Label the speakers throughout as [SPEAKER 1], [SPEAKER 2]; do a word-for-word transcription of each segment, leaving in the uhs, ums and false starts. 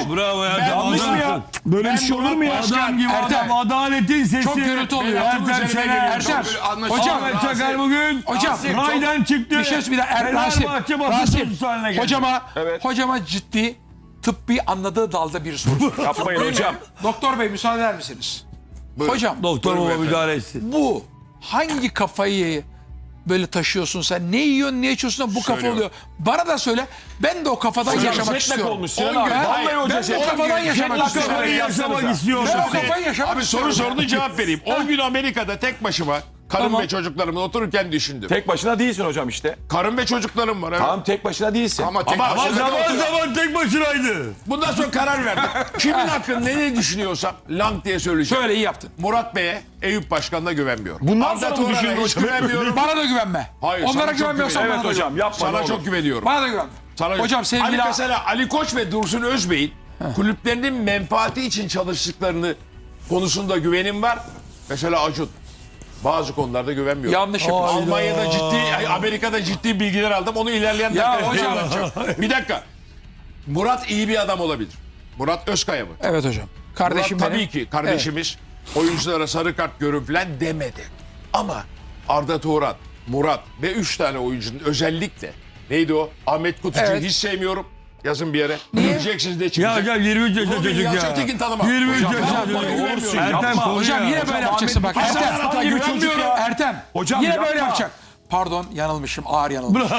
[SPEAKER 1] Bravo, bravo Ertem.
[SPEAKER 2] Yanlış mı ya? Böyle bir şey olur mu ya?
[SPEAKER 1] Adam gibi
[SPEAKER 2] Ertem.
[SPEAKER 1] adam, adaletin sesi.
[SPEAKER 2] Çok gürültü oluyor.
[SPEAKER 1] Ertem Şener.
[SPEAKER 2] Ertem. Hocam.
[SPEAKER 1] Ahmet Çakar bugün
[SPEAKER 2] Hocam.
[SPEAKER 1] raydan çıktı.
[SPEAKER 2] Bir şey söyleyeyim. Er, Rasim.
[SPEAKER 1] Fenerbahçe basın
[SPEAKER 2] Rasim.
[SPEAKER 1] sözcüsü haline geldi.
[SPEAKER 2] Hocama,
[SPEAKER 3] Evet.
[SPEAKER 2] hocama ciddi tıbbi anladığı dalda bir soru.
[SPEAKER 3] Yapmayın hocam.
[SPEAKER 2] Doktor bey müsaade eder misiniz? Hocam.
[SPEAKER 1] Doktor baba müdahale etsin.
[SPEAKER 2] Bu hangi kafayı böyle taşıyorsun sen? Ne yiyorsun, ne içiyorsun da bu kafa
[SPEAKER 4] Söylüyorum.
[SPEAKER 2] oluyor? Bana da söyle. Ben de o kafadan yaşamak
[SPEAKER 3] jetlag
[SPEAKER 2] istiyorum.
[SPEAKER 3] olmuş Sinan
[SPEAKER 2] On
[SPEAKER 3] abi.
[SPEAKER 2] gün-
[SPEAKER 3] Vallahi hoca
[SPEAKER 2] Ben de o
[SPEAKER 3] jetlag.
[SPEAKER 2] kafadan yaşamak
[SPEAKER 3] Jetlag
[SPEAKER 2] istiyorum.
[SPEAKER 3] kafayı
[SPEAKER 1] Yaşamak
[SPEAKER 2] Ben
[SPEAKER 1] istiyorsun.
[SPEAKER 2] o kafayı yaşamak
[SPEAKER 4] Abi
[SPEAKER 2] istiyorum.
[SPEAKER 4] soru sordun cevap vereyim. on gün Amerika'da tek başıma karım
[SPEAKER 2] Tamam.
[SPEAKER 4] ve çocuklarımla otururken düşündüm.
[SPEAKER 3] Tek başına değilsin hocam işte.
[SPEAKER 4] Karım ve çocuklarım var. Evet.
[SPEAKER 3] Tamam tek başına değilsin.
[SPEAKER 4] Ama tek
[SPEAKER 1] Ama
[SPEAKER 4] başına da
[SPEAKER 1] zaman
[SPEAKER 4] oturuyorum.
[SPEAKER 1] zaman tek başınaydı.
[SPEAKER 4] Bundan sonra karar verdim. Kimin hakkında ne, ne düşünüyorsam lang diye söyleyeceğim.
[SPEAKER 2] Şöyle iyi yaptın.
[SPEAKER 4] Murat Bey'e, Eyüp Başkan'la güvenmiyorum.
[SPEAKER 3] Bundan
[SPEAKER 4] Arda
[SPEAKER 3] sonra mı
[SPEAKER 4] Turan'a
[SPEAKER 3] düşündün
[SPEAKER 4] hiç
[SPEAKER 3] hocam?
[SPEAKER 4] güvenmiyorum.
[SPEAKER 2] Bana da güvenme.
[SPEAKER 4] Hayır, sana
[SPEAKER 2] Onlara
[SPEAKER 4] çok
[SPEAKER 2] güvenmiyorsan
[SPEAKER 4] güveniyorum.
[SPEAKER 2] bana
[SPEAKER 3] Evet
[SPEAKER 2] da
[SPEAKER 3] hocam
[SPEAKER 2] güven.
[SPEAKER 3] yapma
[SPEAKER 4] Sana
[SPEAKER 3] ne
[SPEAKER 4] çok
[SPEAKER 3] olur.
[SPEAKER 4] güveniyorum.
[SPEAKER 2] Bana da güvenme.
[SPEAKER 4] Sana
[SPEAKER 2] Hocam sevgili...
[SPEAKER 4] Ali mesela Ali Koç ve Dursun Özbey'in kulüplerinin menfaati için çalıştıklarını konusunda güvenim var. Mesela Acun. Bazı konularda güvenmiyorum.
[SPEAKER 2] Yanlış yapıyorsun.
[SPEAKER 4] Almanya'da ciddi, ay, Amerika'da ciddi bilgiler aldım. Onu ilerleyen
[SPEAKER 2] Ya
[SPEAKER 4] dakikada
[SPEAKER 2] hocam.
[SPEAKER 4] anlatacağım. Bir dakika. Murat iyi bir adam olabilir. Murat Özkaya mı?
[SPEAKER 2] Evet hocam. Kardeşim
[SPEAKER 4] Murat
[SPEAKER 2] benim.
[SPEAKER 4] tabii ki kardeşimiz. Oyunculara sarı kart görün falan demedi. Ama Arda Turan, Murat ve üç tane oyuncunun özellikle neydi o? Ahmet Kutucu'yu
[SPEAKER 2] Evet.
[SPEAKER 4] hiç sevmiyorum. Yazın bir yere. Göreceksiniz de
[SPEAKER 1] Ya
[SPEAKER 4] çıkacak.
[SPEAKER 1] hocam yirmi üç yaşında
[SPEAKER 4] Bunu
[SPEAKER 1] çocuk
[SPEAKER 4] Yalçın
[SPEAKER 1] ya.
[SPEAKER 4] Tekin tanımam.
[SPEAKER 1] yirmi üç
[SPEAKER 4] Hocam,
[SPEAKER 1] yaşında
[SPEAKER 4] yapma,
[SPEAKER 1] çocuk.
[SPEAKER 4] güvenmiyorum.
[SPEAKER 1] Ertem
[SPEAKER 3] Yapma.
[SPEAKER 1] konuya.
[SPEAKER 2] Hocam yine böyle yapacaksın bak.
[SPEAKER 4] Hasan
[SPEAKER 2] Ertem.
[SPEAKER 4] Aratay
[SPEAKER 3] gibi çocuk
[SPEAKER 4] güvenmiyorum.
[SPEAKER 3] ya.
[SPEAKER 2] Ertem.
[SPEAKER 3] Hocam
[SPEAKER 2] yine
[SPEAKER 3] yapma.
[SPEAKER 2] böyle yapacak. Pardon yanılmışım. Ağır yanılmışım.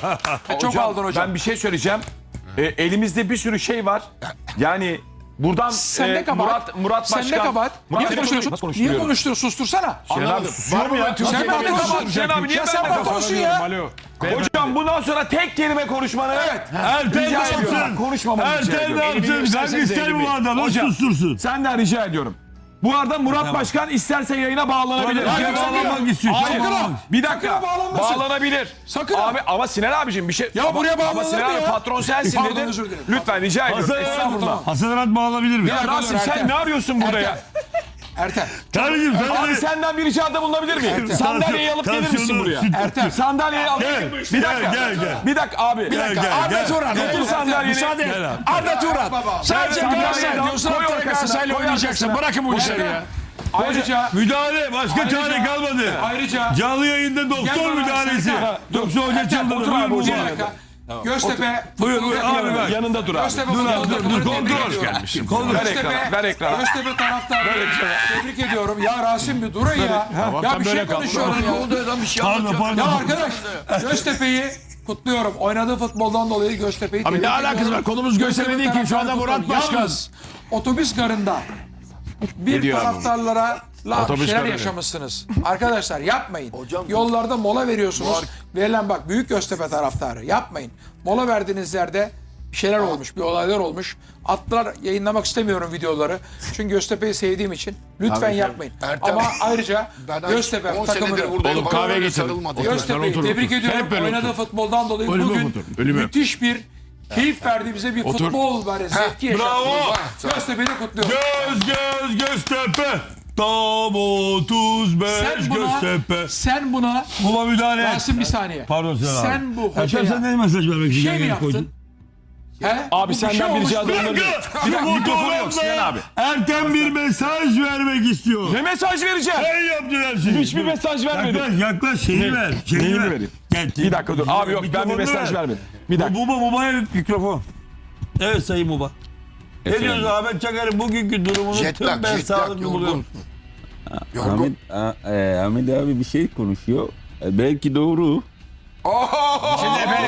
[SPEAKER 2] Çok aldın hocam.
[SPEAKER 3] Ben bir şey söyleyeceğim. E, elimizde bir sürü şey var. Yani buradan
[SPEAKER 2] Sen
[SPEAKER 3] e,
[SPEAKER 2] ne kabahat?
[SPEAKER 3] Murat, Murat
[SPEAKER 2] Sen
[SPEAKER 3] Başkan.
[SPEAKER 2] ne kabahat?
[SPEAKER 3] Murat
[SPEAKER 2] Niye
[SPEAKER 3] Başkan-
[SPEAKER 2] konuşuyorsun?
[SPEAKER 3] Nasıl
[SPEAKER 2] Niye
[SPEAKER 3] konuşturuyorum?
[SPEAKER 2] konuşturuyorsun? Sustursana.
[SPEAKER 3] Sinan abi
[SPEAKER 4] Anladım.
[SPEAKER 3] susuyor
[SPEAKER 4] Var
[SPEAKER 3] mu
[SPEAKER 4] mı
[SPEAKER 3] ya?
[SPEAKER 4] ben
[SPEAKER 2] Sen
[SPEAKER 4] Türkiye'de
[SPEAKER 2] patronsun.
[SPEAKER 3] Sinan abi niye
[SPEAKER 2] Ya sen
[SPEAKER 3] benimle
[SPEAKER 2] patronsun ya.
[SPEAKER 3] Hocam bundan sonra tek kelime konuşmanı
[SPEAKER 2] Evet.
[SPEAKER 1] Ertem ne
[SPEAKER 3] rica ediyorum.
[SPEAKER 1] yapsın?
[SPEAKER 3] Konuşmamanı rica
[SPEAKER 1] Ertem ne
[SPEAKER 3] ediyorum.
[SPEAKER 1] yapsın?
[SPEAKER 4] Elini
[SPEAKER 1] Sen
[SPEAKER 4] göstersenize
[SPEAKER 1] ister
[SPEAKER 4] elimi.
[SPEAKER 1] bu adamı
[SPEAKER 3] Hocam.
[SPEAKER 1] sustursun.
[SPEAKER 3] Senden rica ediyorum. Bu arada Murat Başkan isterse yayına bağlanabilir.
[SPEAKER 1] Tabii,
[SPEAKER 3] Hayır,
[SPEAKER 1] bağlanmak istiyor.
[SPEAKER 3] Hayır.
[SPEAKER 1] Bağlanmak.
[SPEAKER 3] Bir dakika.
[SPEAKER 2] Sakın bağlanmasın.
[SPEAKER 3] Bağlanabilir.
[SPEAKER 2] Sakın.
[SPEAKER 3] Abi ama Sinan abicim bir şey.
[SPEAKER 2] Ya
[SPEAKER 3] ama,
[SPEAKER 2] buraya
[SPEAKER 3] ama
[SPEAKER 2] bağlanır
[SPEAKER 3] Sinan
[SPEAKER 2] mı
[SPEAKER 3] abi
[SPEAKER 2] ya?
[SPEAKER 3] patron sensin
[SPEAKER 2] Pardon,
[SPEAKER 3] dedin.
[SPEAKER 2] özür dilerim.
[SPEAKER 3] Lütfen rica ediyorum.
[SPEAKER 1] Hasan
[SPEAKER 3] Estağfurullah.
[SPEAKER 1] Arat, Hasan Arat bağlanabilir mi?
[SPEAKER 3] Ya
[SPEAKER 2] Ya
[SPEAKER 3] Rasim
[SPEAKER 2] Ertem.
[SPEAKER 3] sen ne arıyorsun burada ya?
[SPEAKER 2] Ertem.
[SPEAKER 1] Kardeşim sen
[SPEAKER 3] Abi
[SPEAKER 1] de...
[SPEAKER 3] senden bir ricada bulunabilir miyim? Sandalyeyi alıp gelir misin
[SPEAKER 1] Tansiyonu-
[SPEAKER 3] buraya?
[SPEAKER 1] süt-
[SPEAKER 2] Ertem.
[SPEAKER 3] Sandalyeyi al.
[SPEAKER 1] Gel,
[SPEAKER 3] Bir dakika.
[SPEAKER 1] gel, gel, gel.
[SPEAKER 3] Bir dakika abi. Bir
[SPEAKER 1] dakika. gel,
[SPEAKER 3] Arda
[SPEAKER 1] gel.
[SPEAKER 3] Turan.
[SPEAKER 1] Gel.
[SPEAKER 3] Otur sandalyeni.
[SPEAKER 4] Müsaade et.
[SPEAKER 1] Gel abi.
[SPEAKER 4] Arda Turan. Sadece
[SPEAKER 3] Sen
[SPEAKER 4] Galatasaray
[SPEAKER 3] sandalyeyi
[SPEAKER 4] diyorsun.
[SPEAKER 3] koy
[SPEAKER 4] Haftaya
[SPEAKER 3] arkasına,
[SPEAKER 4] Galatasaray'la
[SPEAKER 3] koy
[SPEAKER 4] oynayacaksın.
[SPEAKER 3] arkasına.
[SPEAKER 4] Bırakın bu işleri
[SPEAKER 3] Hocam.
[SPEAKER 4] ya.
[SPEAKER 2] Ayrıca
[SPEAKER 1] Müdahale. Başka
[SPEAKER 2] Ayrıca-
[SPEAKER 1] çare kalmadı.
[SPEAKER 2] Ayrıca
[SPEAKER 1] Canlı yayında doktor
[SPEAKER 2] Gel bana,
[SPEAKER 1] müdahalesi.
[SPEAKER 2] Serkan.
[SPEAKER 1] Yoksa hoca
[SPEAKER 2] Ertem,
[SPEAKER 1] çıldırdı.
[SPEAKER 2] otur
[SPEAKER 1] Buyur
[SPEAKER 2] abi,
[SPEAKER 1] bu
[SPEAKER 2] bir
[SPEAKER 1] baba.
[SPEAKER 2] dakika. Göztepe
[SPEAKER 1] Buyur,
[SPEAKER 2] futbol
[SPEAKER 1] buyur,
[SPEAKER 2] takımı.
[SPEAKER 1] abi, bak.
[SPEAKER 3] Yanında dur abi.
[SPEAKER 2] Göztepe
[SPEAKER 1] Dur
[SPEAKER 2] futbol
[SPEAKER 1] abi, dur, dur,
[SPEAKER 2] takımını
[SPEAKER 1] kontrol.
[SPEAKER 2] tebrik ediyorum.
[SPEAKER 1] Kontrol.
[SPEAKER 3] Ver
[SPEAKER 2] Göztepe,
[SPEAKER 3] ekrana, ver ekrana.
[SPEAKER 2] Göztepe taraftarı tebrik ediyorum. Ya Rasim bir durun ya.
[SPEAKER 4] Tamam,
[SPEAKER 2] Ya
[SPEAKER 4] sen
[SPEAKER 2] bir şey
[SPEAKER 4] böyle kal.
[SPEAKER 2] konuşuyorum ya.
[SPEAKER 1] Pardon pardon.
[SPEAKER 2] Ya arkadaş Göztepe'yi kutluyorum. Oynadığı futboldan dolayı Göztepe'yi
[SPEAKER 4] Abi
[SPEAKER 2] tebrik
[SPEAKER 4] ne
[SPEAKER 2] ediyorum.
[SPEAKER 4] alakası var? Konumuz Göztepe değil ki. Şu anda Murat
[SPEAKER 2] taraftarı
[SPEAKER 4] Başkan.
[SPEAKER 2] Yalnız otobüs garında bir
[SPEAKER 4] diyor abi?
[SPEAKER 2] taraftarlara la
[SPEAKER 4] Otobüs
[SPEAKER 2] şeyler
[SPEAKER 4] garı ne?
[SPEAKER 2] yaşamışsınız. Arkadaşlar yapmayın. Yollarda mola veriyorsunuz. Verilen bak büyük Göztepe taraftarı yapmayın. Mola verdiğiniz yerde bir şeyler olmuş, bir olaylar olmuş. Attılar, yayınlamak istemiyorum videoları. Çünkü Göztepe'yi sevdiğim için lütfen yapmayın.
[SPEAKER 5] Ertem,
[SPEAKER 2] Ama ayrıca
[SPEAKER 5] Ben
[SPEAKER 2] Göztepe
[SPEAKER 5] on senedir
[SPEAKER 2] takımını
[SPEAKER 5] buradayım.
[SPEAKER 4] Oğlum kahve
[SPEAKER 5] Bana öyle
[SPEAKER 4] getirin.
[SPEAKER 5] sarılmadı.
[SPEAKER 4] Otur.
[SPEAKER 2] Göztepe'yi
[SPEAKER 4] Otur,
[SPEAKER 2] tebrik
[SPEAKER 4] otur.
[SPEAKER 2] ediyorum.
[SPEAKER 4] Hep böyle
[SPEAKER 2] Oynadığı
[SPEAKER 4] otur.
[SPEAKER 2] futboldan dolayı
[SPEAKER 4] Ölüme
[SPEAKER 2] bugün
[SPEAKER 4] otur, ölüme.
[SPEAKER 2] müthiş bir keyif verdi bize bir
[SPEAKER 4] Otur.
[SPEAKER 2] futbol böyle zevki yaşattı.
[SPEAKER 1] Bravo.
[SPEAKER 2] Göztepe'yi kutluyorum.
[SPEAKER 1] Göz göz Göztepe. Tam otuz beş
[SPEAKER 2] Sen buna,
[SPEAKER 1] Göztepe.
[SPEAKER 2] sen buna
[SPEAKER 1] Buna müdahale et.
[SPEAKER 2] Rasim bir saniye.
[SPEAKER 1] Pardon Sinan abi.
[SPEAKER 2] Sen bu
[SPEAKER 1] Ertem
[SPEAKER 2] hocaya
[SPEAKER 1] sen ne mesaj vermek için
[SPEAKER 2] şey mi
[SPEAKER 1] yayına
[SPEAKER 2] yaptın?
[SPEAKER 1] koydun?
[SPEAKER 2] He?
[SPEAKER 3] Abi
[SPEAKER 2] Bu
[SPEAKER 3] senden
[SPEAKER 2] şey
[SPEAKER 3] bir
[SPEAKER 2] olmuş.
[SPEAKER 3] rica
[SPEAKER 1] Bir
[SPEAKER 3] ediyorum.
[SPEAKER 1] dakika.
[SPEAKER 3] Bir dakika
[SPEAKER 1] Bu
[SPEAKER 3] mikrofonu yok Sinan
[SPEAKER 1] programda
[SPEAKER 3] abi.
[SPEAKER 1] Ertem bir mesaj vermek istiyor.
[SPEAKER 3] Ne mesaj vereceğim?
[SPEAKER 1] Sen yaptın her şeyi.
[SPEAKER 3] Hiçbir mesaj vermedim.
[SPEAKER 1] Yaklaş yaklaş şeyi
[SPEAKER 3] Ne?
[SPEAKER 1] ver. Şeyi
[SPEAKER 3] Neyini
[SPEAKER 1] ver.
[SPEAKER 3] vereyim?
[SPEAKER 1] Gel,
[SPEAKER 3] Bir dakika dur. Abi yok ben bir
[SPEAKER 1] Mikrofonu
[SPEAKER 3] mesaj
[SPEAKER 1] ver.
[SPEAKER 3] vermedim. Bir dakika.
[SPEAKER 1] Bu bu Muba'ya mikrofon. Evet Sayın Muba. Ne diyorsun Ahmet Çakar'ın bugünkü durumunu
[SPEAKER 5] Jet lag,
[SPEAKER 1] tüm ben
[SPEAKER 5] jet lag,
[SPEAKER 1] sağlıklı
[SPEAKER 5] yorgun.
[SPEAKER 1] buluyorum.
[SPEAKER 5] Yorgun.
[SPEAKER 6] Ahmet, a- e, Ahmet abi bir şey konuşuyor. E, belki doğru.
[SPEAKER 4] Şimdi efendim.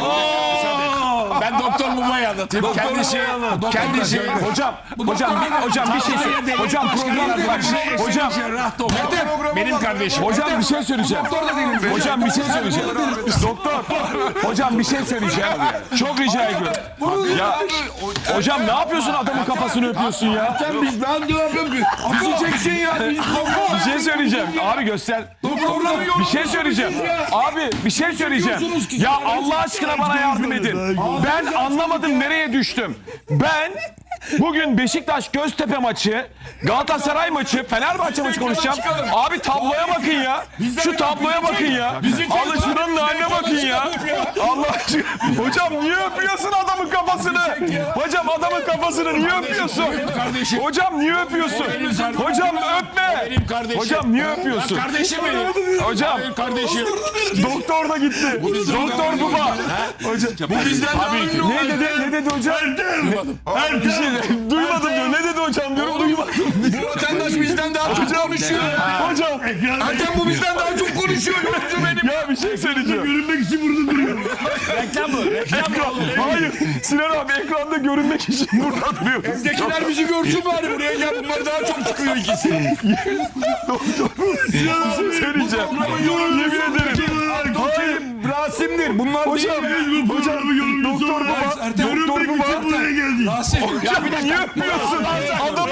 [SPEAKER 4] Ben Doktor Muma'yı anlatayım. Kendisi, kendisi.
[SPEAKER 3] Hocam, hocam, bir, hocam bir şey söyle. Hocam program bak. Hocam,
[SPEAKER 4] Benim kardeşim.
[SPEAKER 3] hocam bir şey söyleyeceğim. Hocam bir şey söyleyeceğim. Doktor, hocam bir şey söyleyeceğim. Çok rica ediyorum. Ya, hocam ne yapıyorsun adamın kafasını öpüyorsun ya?
[SPEAKER 1] Biz ben diyorum ki.
[SPEAKER 3] Üzeceksin ya. Bir şey söyleyeceğim. Abi göster. Bir şey söyleyeceğim. Abi bir şey söyleyeceğim. Ya Allah aşkına bana yardım edin. Ben anlamadım nereye düştüm. Ben Bugün Beşiktaş Göztepe maçı, Galatasaray maçı, Fenerbahçe maçı konuşacağım. Abi tabloya bakın ya. Şu tabloya bakın ya. Alın şuranın haline bakın ya. Allah aşkına. Hocam niye öpüyorsun adamın kafasını? Hocam adamın kafasını niye öpüyorsun?
[SPEAKER 4] kardeşim.
[SPEAKER 3] Hocam niye öpüyorsun? Hocam öpme.
[SPEAKER 4] Benim kardeşim.
[SPEAKER 3] Hocam niye öpüyorsun?
[SPEAKER 4] Kardeşim benim.
[SPEAKER 3] Hocam
[SPEAKER 4] Benim kardeşim.
[SPEAKER 3] doktor da gitti. Doktor baba. Hocam
[SPEAKER 4] Bu bizden daha ünlü
[SPEAKER 3] ne
[SPEAKER 4] olan-
[SPEAKER 3] dedi? Ne dedi hocam?
[SPEAKER 1] Ertem.
[SPEAKER 3] Bir şey duymadım diyor. Ne dedi hocam diyorum duymadım.
[SPEAKER 4] Bu vatandaş bizden daha çok konuşuyor.
[SPEAKER 3] Hocam
[SPEAKER 4] Ertem bu bizden daha çok konuşuyor. Yolcu benim.
[SPEAKER 3] ya bir şey söyleyeceğim.
[SPEAKER 1] Görünmek için burada duruyor.
[SPEAKER 4] Reklam mı? Reklam mı?
[SPEAKER 3] Hayır Sinan abi ekranda görünmek için burada duruyor.
[SPEAKER 4] Evdekiler bizi görsün bari buraya gel. Bunlar daha çok çıkıyor ikisi.
[SPEAKER 3] Bir şey söyleyeceğim. Yemin ederim. Hayır.
[SPEAKER 1] Rasim'dir. Bunlar
[SPEAKER 3] Hocam, hocam, doktor baba, doktor baba.
[SPEAKER 1] buraya geldi.
[SPEAKER 2] Rasim.
[SPEAKER 3] Ya bir de niye öpmüyorsun? Adamı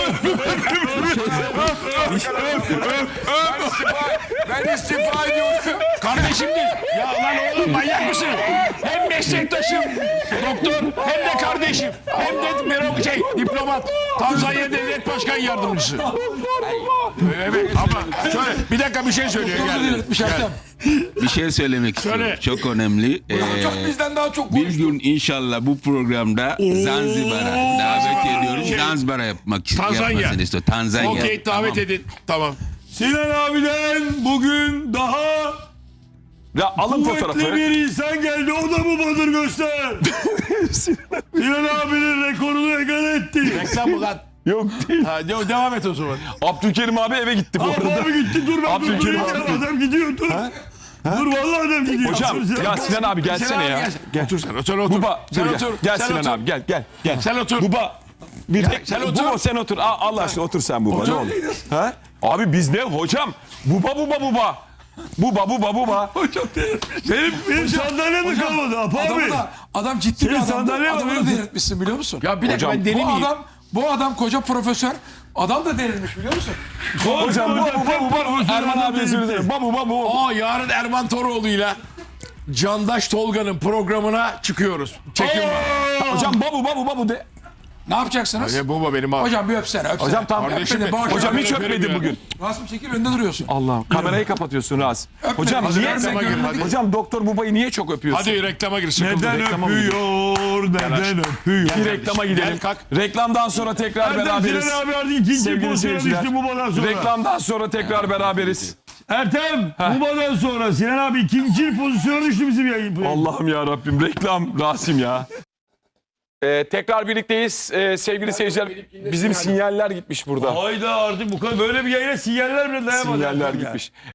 [SPEAKER 4] Ben istifa ediyorum. Kardeşimdir. Ya lan oğlum manyak mısın? Hem meslektaşım doktor hem de kardeşim. Hem de mero- şey diplomat. Tanzanya Devlet Başkan Yardımcısı. Evet ama şöyle bir dakika bir şey söylüyor.
[SPEAKER 2] Doktor da
[SPEAKER 4] Gel.
[SPEAKER 2] delirtmiş Ertem.
[SPEAKER 6] Bir şey söylemek istiyorum.
[SPEAKER 4] Söyle.
[SPEAKER 6] Çok önemli. Ee,
[SPEAKER 2] Çok bizden daha çok
[SPEAKER 6] bir
[SPEAKER 2] konuştu.
[SPEAKER 6] gün inşallah bu programda Zanzibar'a davet ediyorum. Zanzibar'a yapmak
[SPEAKER 4] Tanzanya.
[SPEAKER 6] yapmasını istiyorum. Tanzanya.
[SPEAKER 4] Okey davet edin. Tamam.
[SPEAKER 1] Sinan abiden bugün daha
[SPEAKER 3] Ya alın
[SPEAKER 1] kuvvetli
[SPEAKER 3] fotoğrafı.
[SPEAKER 1] bir insan geldi. O da mı Badır göster? Sinan abinin rekorunu egal etti.
[SPEAKER 4] Reklam mı lan?
[SPEAKER 3] Yok değil.
[SPEAKER 4] Ha, de- devam et o zaman.
[SPEAKER 3] Abdülkerim abi eve gitti bu
[SPEAKER 1] Abi,
[SPEAKER 3] arada.
[SPEAKER 1] abi gitti dur ben
[SPEAKER 3] Abdülkerim
[SPEAKER 1] dur.
[SPEAKER 3] abi.
[SPEAKER 1] Adam gidiyor dur. Dur vallahi adam gidiyor.
[SPEAKER 3] Hocam
[SPEAKER 1] Dur sen.
[SPEAKER 3] ya Sinan abi gelsene ya.
[SPEAKER 4] Gel. Otur sen. Otur otur.
[SPEAKER 3] Buba
[SPEAKER 4] sen
[SPEAKER 3] dur gel.
[SPEAKER 4] otur.
[SPEAKER 3] Gel
[SPEAKER 4] sen
[SPEAKER 3] Sinan
[SPEAKER 4] otur.
[SPEAKER 3] abi gel gel gel.
[SPEAKER 4] Sen otur.
[SPEAKER 3] Buba bir tek
[SPEAKER 4] sen otur.
[SPEAKER 3] Buba sen otur. Aa, Allah aşkına otur sen Buba
[SPEAKER 4] Otur.
[SPEAKER 3] ne olur. Ha? Abi biz ne hocam? Buba buba buba. Buba buba buba.
[SPEAKER 1] Benim, benim sandalye mi kalmadı? Apa abi.
[SPEAKER 2] Adamı da, adam ciddi bir
[SPEAKER 1] Senin
[SPEAKER 2] adamdı.
[SPEAKER 1] sandalye var
[SPEAKER 2] Adamı da
[SPEAKER 1] mı?
[SPEAKER 2] delirtmişsin biliyor musun?
[SPEAKER 4] Ya bir dakika
[SPEAKER 3] Hocam,
[SPEAKER 4] ben deli
[SPEAKER 2] bu
[SPEAKER 4] miyim?
[SPEAKER 2] adam, bu adam koca profesör. Adam da delirmiş biliyor musun?
[SPEAKER 3] Hocam buba buba buba. Erman abi özür dilerim. Buba buba buba.
[SPEAKER 4] Aa yarın Erman Toroğlu'yla Candaş Tolga'nın programına çıkıyoruz. Çekim var.
[SPEAKER 3] Hocam babu babu babu de.
[SPEAKER 2] Ne yapacaksınız?
[SPEAKER 4] Ne baba benim abi.
[SPEAKER 2] Hocam bir öpsene öpsene.
[SPEAKER 3] Hocam tam
[SPEAKER 4] Kardeşim
[SPEAKER 2] öpmedi,
[SPEAKER 4] benim.
[SPEAKER 2] bağış-
[SPEAKER 3] Hocam hiç
[SPEAKER 4] Öperim
[SPEAKER 3] öpmedi
[SPEAKER 4] ya.
[SPEAKER 3] bugün.
[SPEAKER 2] Rasim çekil önde duruyorsun.
[SPEAKER 3] Allah kamerayı kapatıyorsun Raz. Hocam
[SPEAKER 2] Hadi
[SPEAKER 3] niye
[SPEAKER 2] reklama
[SPEAKER 4] gir, hadi.
[SPEAKER 3] Hocam doktor Bubay'ı niye çok öpüyorsun?
[SPEAKER 4] Hadi reklama gir. Sıkıldım.
[SPEAKER 1] Neden
[SPEAKER 3] reklama mı
[SPEAKER 1] öpüyor? Neden öpüyor?
[SPEAKER 3] Bir reklama gidelim.
[SPEAKER 4] Gel, kalk.
[SPEAKER 3] Reklamdan sonra tekrar
[SPEAKER 1] Ertem
[SPEAKER 3] beraberiz.
[SPEAKER 1] Sinan abi artık ikinci
[SPEAKER 3] Sevgili
[SPEAKER 1] pozisyona
[SPEAKER 3] seyirciler.
[SPEAKER 1] düştü Buba'dan sonra.
[SPEAKER 3] Reklamdan sonra tekrar beraberiz.
[SPEAKER 1] Ertem Buba'dan sonra Sinan abi ikinci pozisyona düştü bizim yayın.
[SPEAKER 3] Allah'ım ya Rabbim reklam Rasim ya. Ee, tekrar birlikteyiz Ee, sevgili seyirciler. Bizim sinyaller gitmiş burada.
[SPEAKER 1] Hayda artık bu kadar böyle bir yayına sinyaller bile dayanamadı.
[SPEAKER 3] Sinyaller
[SPEAKER 1] Ertem ya.
[SPEAKER 3] gitmiş.